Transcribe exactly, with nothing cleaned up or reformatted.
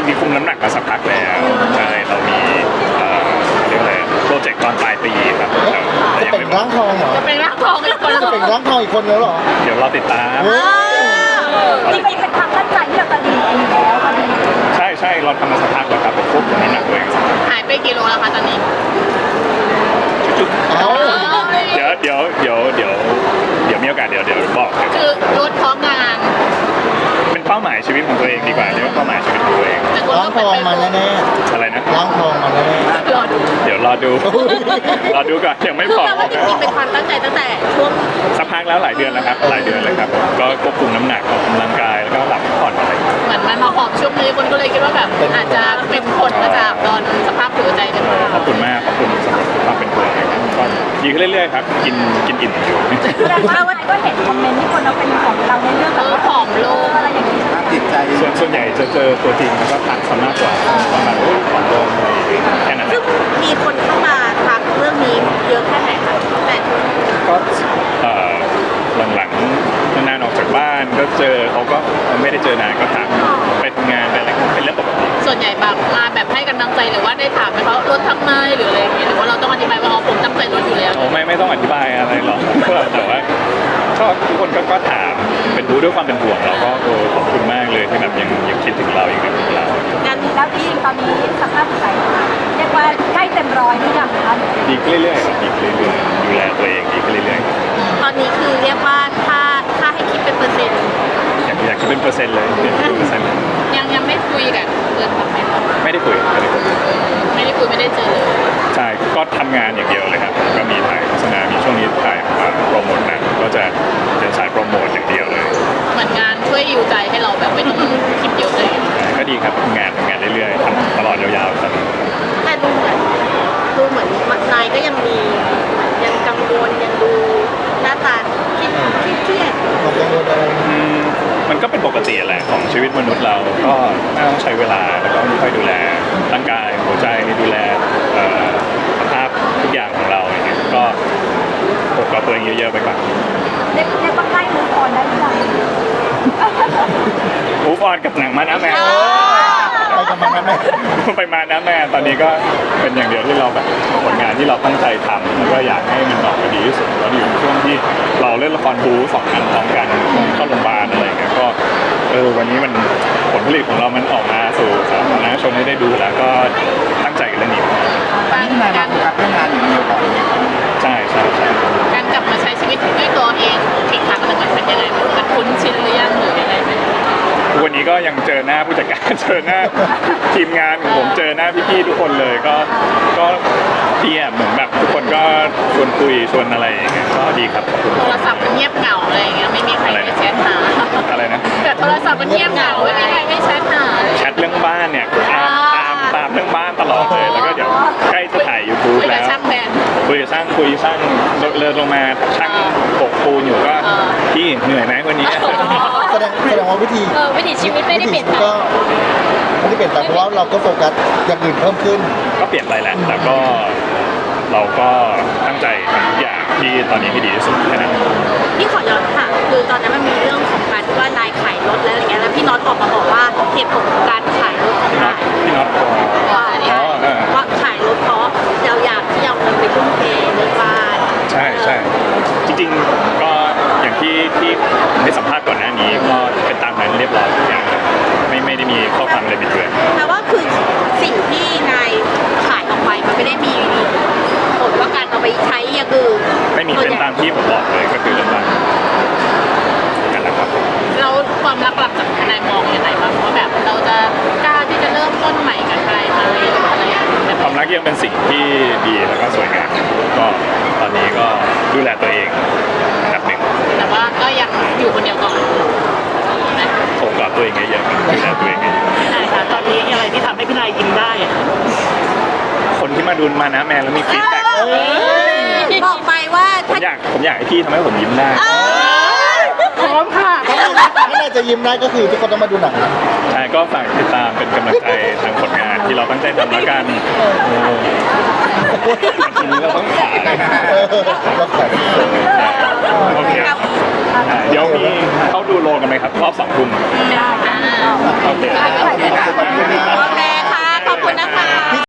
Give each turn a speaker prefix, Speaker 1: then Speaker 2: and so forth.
Speaker 1: ริงๆคุมน้ำหนักมาสักพักแล้วใช่เรามีเอ่อเรียกอะไรโปรเจกต์ตอนปลายปีครับแต่
Speaker 2: จะ
Speaker 1: ยัง
Speaker 2: เป็น
Speaker 1: ไม่
Speaker 2: ร่างทองเหรอ
Speaker 3: จะเป็นร่างทองอีกคน
Speaker 2: จะเป็นร่างทองอีกคนแล้วเหรอ
Speaker 1: เดี๋ยวเราติดตาม
Speaker 4: จริงๆเป็นความตั้งใจที่เราจะดีเองแล้วตอนนี้
Speaker 1: ใช่ใช่เราทำมาสักพักแล้วครับผมควบคุมน้ำหนักตัวเองสักพัก
Speaker 3: หายไปกี่โลแล้วคะตอนนี้
Speaker 2: เอ้า
Speaker 1: เดี๋ยวเดี๋ยวเดี๋ยวเดี๋ยวเดี๋ยวมีโอกาสเดี๋ยวเดี๋ยวบอกเดี๋ยว
Speaker 3: คือลดเพราะงาน
Speaker 1: เป็นเป้าหมายชีวิตของตัวเองดีกว่าเรียกว่าเป้าหมายชีวิตของตัวเอง
Speaker 3: แต่คน
Speaker 2: ร่าง
Speaker 3: ก็
Speaker 2: ท
Speaker 3: เป็น
Speaker 2: อง
Speaker 3: ไป
Speaker 2: มาแน่
Speaker 1: อะไรนะ
Speaker 2: ๆร่างทองมาแน่
Speaker 3: รอดู
Speaker 1: เดี๋ยวรอดู รอดูก่อนยังไม่
Speaker 3: คือ
Speaker 1: พอ
Speaker 3: แปลว่าจริงๆเป็นความตั้งใจตั้งแต่ช่วง
Speaker 1: สักพักแล้วหลายเดือนแล้วครับหลายเดือนเลยครับผมก็ควบคุมน้ำหนักออกกำลังกายแล้วก็หลับพักผ่อนอะไรอย่างเงี้ย
Speaker 3: เหมือนมันมาหอบช่วงนี้คนก็เลยคิดว่าแบบอาจจะเป็นผลมาจากตอนสภาพหัวใจกันมา
Speaker 1: ขอบคุณมากขอบคุณสำหรับความเป็นห่วงนะครับก็ดีขึ้นเรื่อยๆครับกินกินอิ่มอยู่
Speaker 4: แสดงว่าวันก็เห็นคอมเมนต์ที่คนเราเป็นของเราในเรื่อง
Speaker 3: เอ
Speaker 4: แบบ
Speaker 3: อ
Speaker 4: ว่า
Speaker 3: ผอมลง
Speaker 4: อะไรอย่างนี้
Speaker 5: ภาพจิตใจ
Speaker 1: ส่วนส่วนใหญ่จะเจอตัวจริงแล้วก็ทักซะมากกว่าประมาณว่าของลงอะไรอย่างเงี้ยแค่นั้นแห
Speaker 3: ซึ่ง
Speaker 1: ละ
Speaker 3: มีคนเข้ามาทักเรื่องนี้เยอะแค่ไหนคะแต่
Speaker 1: ก็เอ่อหลังๆนานๆออกจากบ้านก็เจอเขาก็ไม่ได้เจอนานก็ถามไปทำงานไปอะไรก็เป็นเรื่องปกติ
Speaker 3: ส่วนใหญ่แบบมาแบบให้กำลังใจหรือว่าได้ถามไหมเขาลดทำไมหรืออะไรอย่างเงี้ยหรือว่าเราต้องอธิบายว่าอ๋อผมตั้งใจลดอยู่แล้ว
Speaker 1: โอ้ไม่ไม่ต้องอธิบายอะไรหรอก แต่ว่าก็ทุกคนก็ก็ถามเป็นรู้ด้วยความเป็นห่วงเราก็โอ้ขอบคุณมากเลยที่แบบยังยังคิดถึงเรายังนึกถึงเรา
Speaker 4: งานนี้แล้วที่ตอนนี้สภาพจิตใจเรียกว่าใกล้เต็มร้อยหรือยังคะ
Speaker 1: ดีขึ้นเรื่อยๆครับดีขึ้นเรื่อยๆดูแลตัวเองดีขึ้นเรื่อยๆครับ
Speaker 3: ตอนนี้คือเรียกว่าถ้าถ้าให้คิดเป็นเปอร์เซ็นต์
Speaker 1: อยากอยากคิดเป็นเปอร์เซ็นต์เลยเป็นเปอร์เซ็นต์เลย
Speaker 3: ยังยังไม่คุยกันเกินแบบไหนคะ
Speaker 1: ไม่ได้คุยไม่ได้คุย
Speaker 3: ไม่ได้คุยไม่ได้เจอเลย
Speaker 1: ใช่ก็ทำงานอย่างเดียวเลยครับก็มีถ่ายโฆษณามีช่วงนี้ถ่ายอ่าโปรโมทหนังก็จะเป็นสายโปรโมทอย่างเดียวเลย
Speaker 3: เหมือนงานช่วยยิวใจให้เราแบบไม่ต้องคิดเยอะเลย
Speaker 1: ก็ดีครับทำงานทำงานเรื่อยๆทำตลอดยาวๆครับ
Speaker 3: แต่ดูเหมือนดูเหมือนนายก็ยังมียังกังวลยังดูหน้าตาคิดคิดเครียด
Speaker 2: ๆความกังวลอะไร
Speaker 1: อืมมันก็เป็นปกติแหละของชีวิตมนุษย์เราก็น่าต้องใช้เวลาแล้วก็ค่อยดูแลร่างกายหัวใจดูแลเอ่อสภาพทุกอย่างของเราอย่างเงี้ยก็ปกกับตัวเองเยอะๆไปก่อน
Speaker 4: เรียกเรียกว่าใกล้มูฟออนได้หรือยัง
Speaker 1: มูฟออนกับหนังมานะแม่
Speaker 2: ไปกับมันนะแม่
Speaker 1: ไปมานะแม่ตอนนี้ก็เป็นอย่างเดียวที่เราแบบผลงานที่เราตั้งใจทำแล้วก็อยากให้มันออกมาดีที่สุดแล้วอยู่ในช่วงที่เราเล่นละครบู๊สองอันพร้อมกันเข้าโรงพยาบาลอะไรอย่างเงี้ยก็เออวันนี้มันผลผลิตของเรามันออกมาสู่สาธารณชนให้ได้ดูแล้วก็ตั้งใจกับเรื่องนี้
Speaker 5: ตอนนี้ที่นายมาโฟกัสเรื่องงานอย่างเดียวก่อน
Speaker 1: ใช่ใช่ใช่
Speaker 3: การกลับมาใช้ชีวิตด้วยตัวเองอีกครั้งหนึ่งมันเป็นยังไงมันคุ้นชินหรือยังหรือยังไงไหม
Speaker 1: ทุกวันนี้ก็ยังเจอหน้าผู้จัดการ เจอหน้าทีมงานของผมเจอหน้าพี่ๆทุกคนเลยก็ก็ดีอ่ะเหมือนแบบทุกคนก็ชวนคุยชวนอะไรอย่างเงี้ยก็ดีครับขอบคุณ
Speaker 3: โทรศัพท์มันเงียบเหงาอะไรอย่างเงี้ยไม่มีใครไปแชทหา
Speaker 1: อะไรนะ
Speaker 3: แต่โทรศัพท์มันเงียบเหงาไม่มีใครไม่แชทหาเลย
Speaker 1: แชทเรื่องบ้านเนี่ยตามตามตามเรื่องบ้านตลอดเลยแล้วก็เดี๋ยวใกล้จะถ่าย ยูทูบ
Speaker 3: คุย
Speaker 1: แล้
Speaker 3: กับ
Speaker 1: ว
Speaker 3: ช่างแบน
Speaker 1: คุยกับช่างคุยช่างเดินลงมาช่างปกปูนอยู่ก็
Speaker 3: เออ
Speaker 1: พี่เหนื่อยไหมวันนี้
Speaker 2: แสดงแสดงว่าวิธี
Speaker 3: เออวิถีชีวิตไม่ได้เปลี่ยนไป
Speaker 2: ก็ไม่ได้เปลี่ยนไปเพราะว่าเราก็โฟกัสอย่างอื่นเพิ่มขึ้น
Speaker 1: ก็เปลี่ยนไปแหละแต่ก็เราก็ตั้งใจทำทุกอย่างที่ตอนนี้ให้ดีที่สุดแค่นั้น
Speaker 3: พี่ขอย้อนค่ะคือตอนนั้นมันมีเรื่องของการที่ว่านายขายรถแล้วอย่างเงี้ยแล้วพี่น็อตออกมาบอกว่าเหตุผลของการขายรถของ
Speaker 1: พี่น็อต
Speaker 3: นาย
Speaker 1: พี่น็อตพอ
Speaker 3: ว่าเนี่ย
Speaker 1: อ๋อเออ
Speaker 3: ว่าขายรถเพราะเราอยากที่จะเอาเงินไปทุ่มเทเรื่องบ้าน
Speaker 1: ใช่ใช่จริงๆก็อย่างที่ที่ได้สัมภาษณ์ก่อนหน้านี้ก็เป็นตามนั้นเรียบร้อยทุกอย่างครับไม่ไม่ได้มีข้อความอะไรบิดเบือน
Speaker 3: แต่ว่าคือสิ่งที่นายขายออกไปมันไม่ได้มีผลว่าการเอาไปใช้อย่างอื่น
Speaker 1: ไม่มีเป็นตามที่ผมบอกเลยก็คือเรื่องบ้านกันแหละครับ
Speaker 3: แล้วความรักหลักจากนายมองยังไงบ้างว่าแบบเราจะกล้าที่จะเริ่มต้นใหม่กับใครไหมหรืออะไรอย่างเงี้ย
Speaker 1: ความรักยังเป็นสิ่งที่ดีแล้วก็สวยงามก็ตอนนี้ก็ดูแลตัวเองอันดับหนึ่ง
Speaker 3: แต่ว่าก็ยังอยู่คนเดียวก่อนนะ
Speaker 1: ผมกับตัวเองเยอะๆดูแลตัวเองเยอะ
Speaker 3: ใช่ค่ะตอนนี้อะไรที่ทำให้พี่นายยิ้มได้อะ
Speaker 1: ๆคนที่มาดูมานะแมนแล้วมีฟีดแบ็ก
Speaker 3: บอกไปว่า
Speaker 1: ผมอยากผมอยากให้พี่ทำให้ผมยิ้มได้
Speaker 3: พร้อมค่ะ
Speaker 2: ถ้าน่าจะยิ้มได้ก็คือทุกคนต้องมาดูหนังนะ
Speaker 1: ใช่ก็ฝากติดตามเป็นกำลังใจทางผลงานที่เราตั้งใจทำแล้วกันทีนี้เราต้องขาย
Speaker 2: เออเราขาย
Speaker 1: โอเคเดี๋ยวมีเข้าดูโรงกันไหมครับรอบสองทุ่ม